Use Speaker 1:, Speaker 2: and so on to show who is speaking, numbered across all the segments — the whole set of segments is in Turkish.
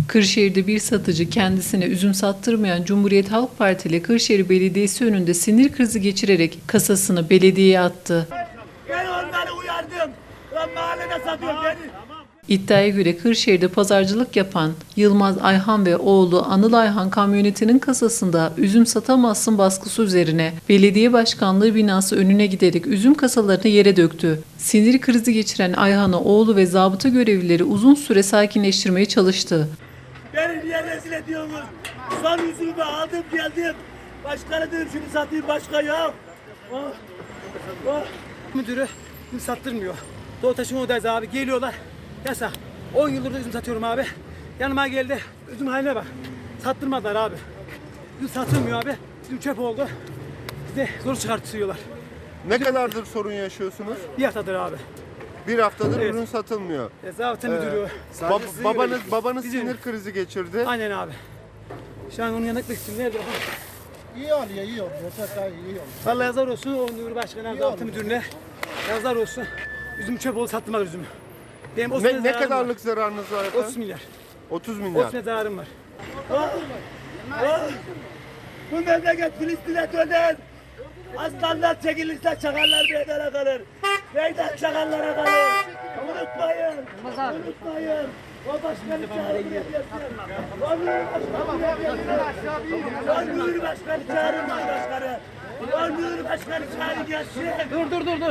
Speaker 1: Kırşehir'de bir satıcı kendisine üzüm sattırmayan Cumhuriyet Halk Partili Kırşehir Belediyesi önünde sinir krizi geçirerek kasasını belediyeye attı.
Speaker 2: Ben onları uyardım. Lan mahallede satıyor beni.
Speaker 1: İddiaya göre Kırşehir'de pazarcılık yapan Yılmaz Ayhan ve oğlu Anıl Ayhan kamyonetinin kasasında üzüm satamazsın baskısı üzerine belediye başkanlığı binası önüne giderek üzüm kasalarını yere döktü. Sinir krizi geçiren Ayhan'ı oğlu ve zabıta görevlileri uzun süre sakinleştirmeye çalıştı.
Speaker 2: Beni niye rezil ediyorsunuz? Son yüzümü aldım geldim. Başkanı dedim şunu satayım başka yok. Oh. Oh.
Speaker 3: Müdürü üzüm sattırmıyor. Doğu taşıma odayız abi geliyorlar. Yasak. 10 yıldır da üzüm satıyorum abi. Yanıma geldi. Üzüm haline bak. Sattırmadılar abi. Üzüm satılmıyor abi. Üzüm çöp oldu. Bize zor çıkartıyorlar.
Speaker 4: Ne kadardır sorun yaşıyorsunuz?
Speaker 3: Bir haftadır abi.
Speaker 4: Bir haftadır
Speaker 3: Evet.
Speaker 4: ürün satılmıyor.
Speaker 3: Zabıta müdürü.
Speaker 4: Babanız
Speaker 3: Bizim-
Speaker 4: sinir krizi geçirdi.
Speaker 3: Aynen abi. Şu an onun yanına gitmek istiyorum. Nerede?
Speaker 5: İyi oluyor, iyi oluyor. Çok daha iyi oluyor.
Speaker 3: Vallahi yazar olsun o müdür başkanı, zabıta müdürüne. Yazar olsun. Üzüm çöp oldu sattılar üzümü. Benim 30
Speaker 4: Ne
Speaker 3: zararım var.
Speaker 4: kadarlık zararınız var
Speaker 3: 30
Speaker 4: efendim?
Speaker 3: milyar.
Speaker 4: 30 milyar.
Speaker 3: 30 milyar zararım var.
Speaker 2: Oh. Oh. Bu memleket Filistin'e döner. Aslanlar çekilirse çakallar meydana kalır. Meydan çakallara kalır. Unutmayın. Unutmayın. O başkanı çağırın buraya gelsin. O mühür başkanı buraya gelsin. O mühür başkanı çağırın başkanı. O mühür başkanı çağırın gelsin.
Speaker 3: Dur.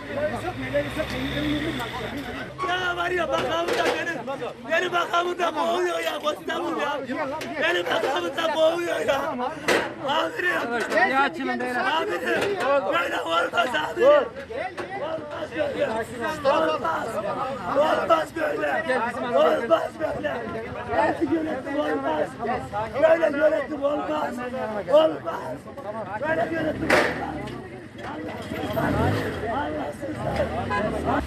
Speaker 2: Ya var ya bakamı da benim bakamı da boğuyor ya Kostamur ya. Benim bakamı da boğuyor ya. Amirim.
Speaker 3: Ya açılın beyler.
Speaker 2: Amirim. Böyle olmaz amirim. Olmaz. Olmaz böyle. Olmaz böyle. Böyle yönetim olmaz. Böyle yönetim olmaz. Olmaz. Böyle yönetim olmaz. Allahsızlar.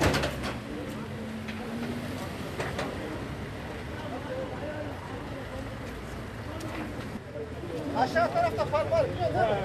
Speaker 5: Aşağı tarafta far var biliyor musun?